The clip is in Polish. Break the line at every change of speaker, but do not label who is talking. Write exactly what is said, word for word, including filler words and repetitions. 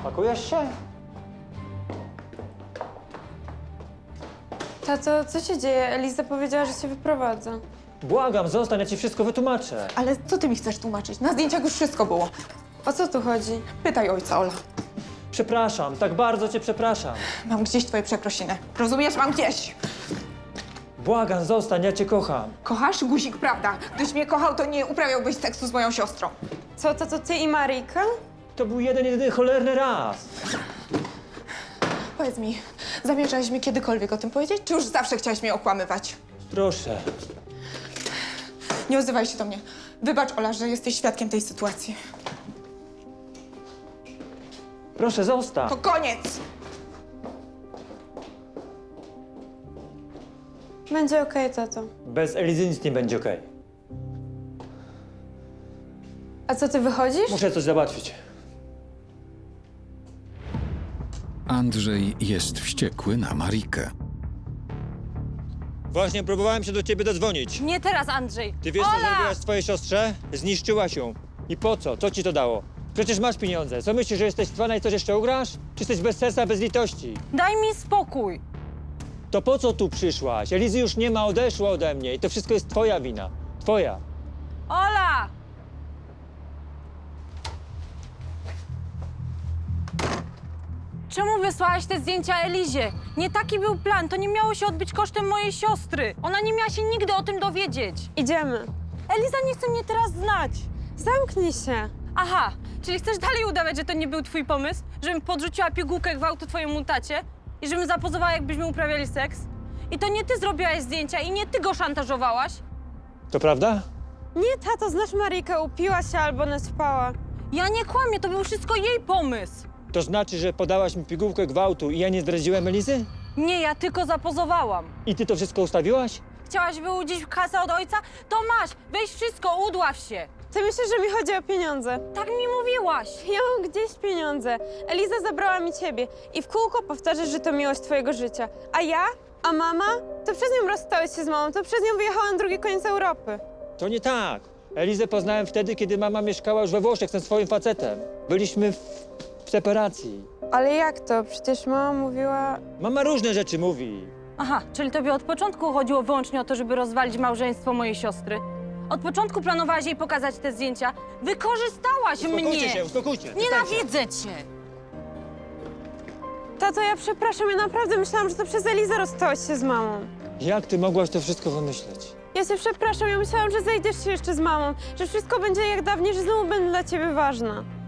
Pakujesz się?
Tato, co się dzieje? Eliza powiedziała, że się wyprowadza.
Błagam, zostań, ja ci wszystko wytłumaczę.
Ale co ty mi chcesz tłumaczyć? Na zdjęciach już wszystko było.
O co tu chodzi?
Pytaj ojca, Ola.
Przepraszam, tak bardzo cię przepraszam.
Mam gdzieś twoje przeprosiny. Rozumiesz? Mam gdzieś.
Błagam, zostań, ja cię kocham.
Kochasz? Guzik, prawda. Gdybyś mnie kochał, to nie uprawiałbyś seksu z moją siostrą.
Co, tato, ty i Marika?
To był jeden, jedyny cholerny raz.
Powiedz mi, zamierzałeś mi kiedykolwiek o tym powiedzieć, czy już zawsze chciałeś mnie okłamywać?
Proszę.
Nie odzywaj się do mnie. Wybacz, Ola, że jesteś świadkiem tej sytuacji.
Proszę, zostań.
To koniec!
Będzie okej, tato.
Bez Elizy nic nie będzie okej.
A co, ty wychodzisz?
Muszę coś załatwić.
Andrzej jest wściekły na Marikę.
Właśnie próbowałem się do ciebie dodzwonić.
Nie teraz, Andrzej!
Ty wiesz, co
Ola!
zrobiłaś swojej siostrze? Zniszczyłaś ją. I po co? Co ci to dało? Przecież masz pieniądze. Co myślisz, że jesteś cwana i coś jeszcze ugrasz? Czy jesteś bez serca, bez litości?
Daj mi spokój!
To po co tu przyszłaś? Elizy już nie ma, odeszła ode mnie i to wszystko jest twoja wina. Twoja.
Ola! Czemu wysłałaś te zdjęcia Elizie? Nie taki był plan, to nie miało się odbyć kosztem mojej siostry. Ona nie miała się nigdy o tym dowiedzieć.
Idziemy.
Eliza nie chce mnie teraz znać.
Zamknij się.
Aha, czyli chcesz dalej udawać, że to nie był twój pomysł? Żebym podrzuciła pigułkę gwałtu twojemu tacie? I żebym zapozowała, jakbyśmy uprawiali seks? I to nie ty zrobiłaś zdjęcia i nie ty go szantażowałaś?
To prawda?
Nie, tato, znasz Marikę, upiła się albo naćpała.
Ja nie kłamię, to był wszystko jej pomysł.
To znaczy, że podałaś mi pigułkę gwałtu i ja nie zdradziłem Elizy?
Nie, ja tylko zapozowałam.
I ty to wszystko ustawiłaś?
Chciałaś wyłudzić kasę od ojca? To masz, weź wszystko, udław się.
Ty myślisz, że mi chodzi o pieniądze?
Tak mi mówiłaś.
Ja mam gdzieś pieniądze. Eliza zabrała mi ciebie i w kółko powtarzasz, że to miłość twojego życia. A ja? A mama? To przez nią rozstałeś się z mamą, to przez nią wyjechałam na drugi koniec Europy.
To nie tak. Elizę poznałem wtedy, kiedy mama mieszkała już we Włoszech ze swoim facetem. Byliśmy w, w separacji.
Ale jak to? Przecież mama mówiła...
Mama różne rzeczy mówi.
Aha, czyli tobie od początku chodziło wyłącznie o to, żeby rozwalić małżeństwo mojej siostry. Od początku planowałaś jej pokazać te zdjęcia. Wykorzystałaś
Uspokójcie
mnie.
się, uspokójcie. przestańcie.
Nienawidzę cię.
Tato, ja przepraszam, ja naprawdę myślałam, że to przez Elizę rozstałeś się z mamą.
Jak ty mogłaś to wszystko wymyśleć?
Ja cię przepraszam, ja myślałam, że zejdziesz się jeszcze z mamą, że wszystko będzie jak dawniej, że znowu będę dla ciebie ważna.